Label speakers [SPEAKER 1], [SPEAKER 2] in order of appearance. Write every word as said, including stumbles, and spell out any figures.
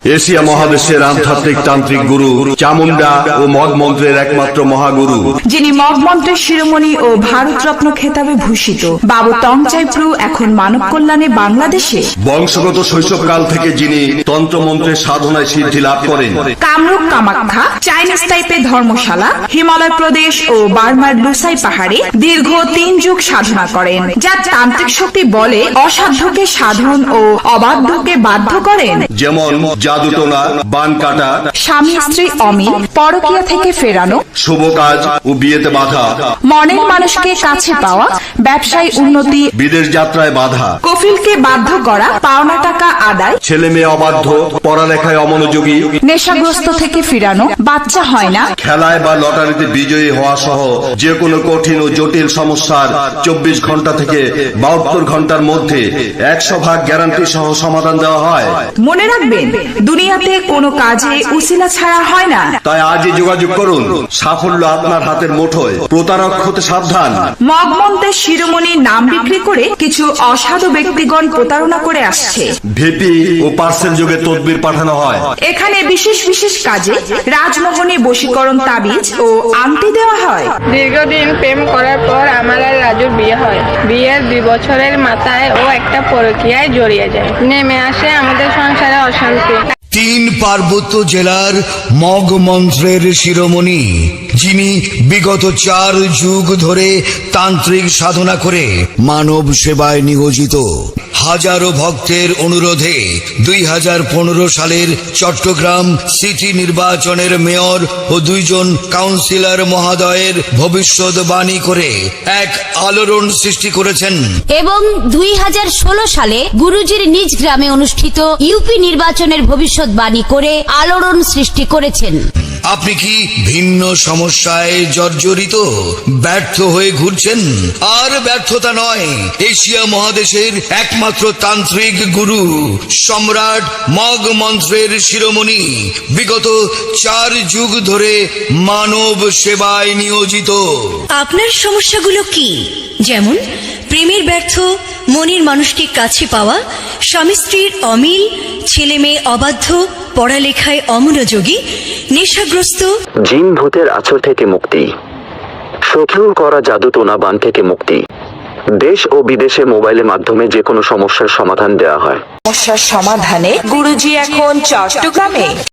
[SPEAKER 1] Asia মহাদেশের আধ্যাত্মিক তান্ত্রিক গুরু চামুন্ডা ও মগ মন্ত্রের একমাত্র মহাগুরু,
[SPEAKER 2] যিনি মগ মন্ত্রের শিরোমণি ও ভারতরত্ন খেতাবে ভূষিত বাবু তংচাই প্রু এখন মানব কল্যাণে বাংলাদেশে।
[SPEAKER 1] বংশগত শৈশবকাল থেকে যিনি তন্ত্রমন্ত্রের সাধনায় সিদ্ধি লাভ করেন।
[SPEAKER 2] কামরূপ কামাখ্যা চাইনিজ টাইপের ধর্মশালা, হিমালয় প্রদেশ ও বার্মার লুসাই পাহাড়ে দীর্ঘ তিন যুগ সাধনা করেন, যা তান্ত্রিক শক্তি বলে অসাধ্যকে সাধন ও অবাধ্যকে বাধ্য করেন।
[SPEAKER 1] যেমন জাদুটোনা, বান কাটা,
[SPEAKER 2] স্বামী স্ত্রী অমিল, পরকীয়া থেকে ফেরানো,
[SPEAKER 1] শুভ কাজ ও বিয়েতে বাধা,
[SPEAKER 2] মনের মানুষকে কাছে পাওয়া, ব্যবসায় উন্নতি,
[SPEAKER 1] বিদেশ যাত্রায় বাধা,
[SPEAKER 2] কফিলকে বাধ্য করা, পাওনা টাকা আদায়,
[SPEAKER 1] ছেলে মেয়ে অবাধ্য, পড়ালেখায় অমনোযোগী,
[SPEAKER 2] নেশাগ্রস্ত থেকে ফিরানো, বাচ্চা হয় না,
[SPEAKER 1] খেলায় বা লটারিতে বিজয়ী হওয়া সহ যে কোনো কঠিন ও জটিল সমস্যার চব্বিশ ঘন্টা থেকে বাহাত্তর ঘন্টার মধ্যে একশো ভাগ গ্যারান্টি সহ সমাধান দেওয়া হয়।
[SPEAKER 2] মনে রাখবেন, দুনিয়াতে কোনো কাজে উসিলা ছাড়া হয় না।
[SPEAKER 1] তাই আজই যোগাযোগ করুন, সাফল্য আপনার হাতের মুঠোয়, প্রতারক হতে সাবধান।
[SPEAKER 2] মগ মন্ত্রের শিরোমণির নাম বিক্রি করে কিছু অসাধু ব্যক্তিগণ প্রতারণা করে আসছে।
[SPEAKER 1] ভিপি ও পার্সেল যুগে তদবির পাঠানো হয়।
[SPEAKER 2] এখানে বিশেষ বিশেষ কাজে রাজমোহনী বশীকরণ তাবিজ ও আংটি দেওয়া হয়।
[SPEAKER 3] দীর্ঘদিন প্রেম করার পর আমার আর রাজুর বিয়ে হয়। বিয়ের দুই বছরের মাথায় ও একটা পরকীয়ায় জড়িয়ে যায়। নেমে আসে আমাদের সংসারে অশান্তি।
[SPEAKER 4] তিন পার্বত্য জেলার মগ মন্ত্রের শিরোমণি, যিনি বিগত চার যুগ ধরে তান্ত্রিক সাধনা করে মানব সেবায় নিয়োজিত। হাজারো ভক্তের অনুরোধে দুই হাজার পনেরো সালের চট্টগ্রাম সিটি নির্বাচনের মেয়র ও দুইজন কাউন্সিলর মহোদয়ের ভবিষ্যৎবাণী করে এক আলোড়ন সৃষ্টি করেছেন
[SPEAKER 5] এবং দুই হাজার ষোলো সালে গুরুজির নিজ গ্রামে অনুষ্ঠিত ইউপি নির্বাচনের ভবিষ্যৎবাণী করে আলোড়ন সৃষ্টি করেছেন।
[SPEAKER 4] আপনি কি ভিন্ন সমস্যায় জর্জরিত, ব্যর্থ হয়ে ঘুরছেন? আর ব্যর্থতা নয়, এশিয়া মহাদেশের একমাত্র তান্ত্রিক গুরু সম্রাট মগ মন্ত্রের শিরোমণি বিগত চার যুগ ধরে মানব সেবায় নিয়োজিত।
[SPEAKER 6] আপনার সমস্যাগুলো কি? যেমন প্রেমের ব্যর্থ, মনের মানুষকে কাছে পাওয়া, স্বামী স্ত্রীর অমিল, ছেলে মেয়ে অবাধ্য, পড়ালেখায় অমনোযোগী, নেশাগ্রস্ত,
[SPEAKER 7] জিন ভূতের আছর থেকে মুক্তি, শত্রুর করা জাদু টোনা বান থেকে মুক্তি। দেশ ও বিদেশে মোবাইলের মাধ্যমে যে কোনো সমস্যার সমাধান দেওয়া হয়।
[SPEAKER 2] সমস্যার সমাধানে গুরুজি এখন চট্টগ্রামে।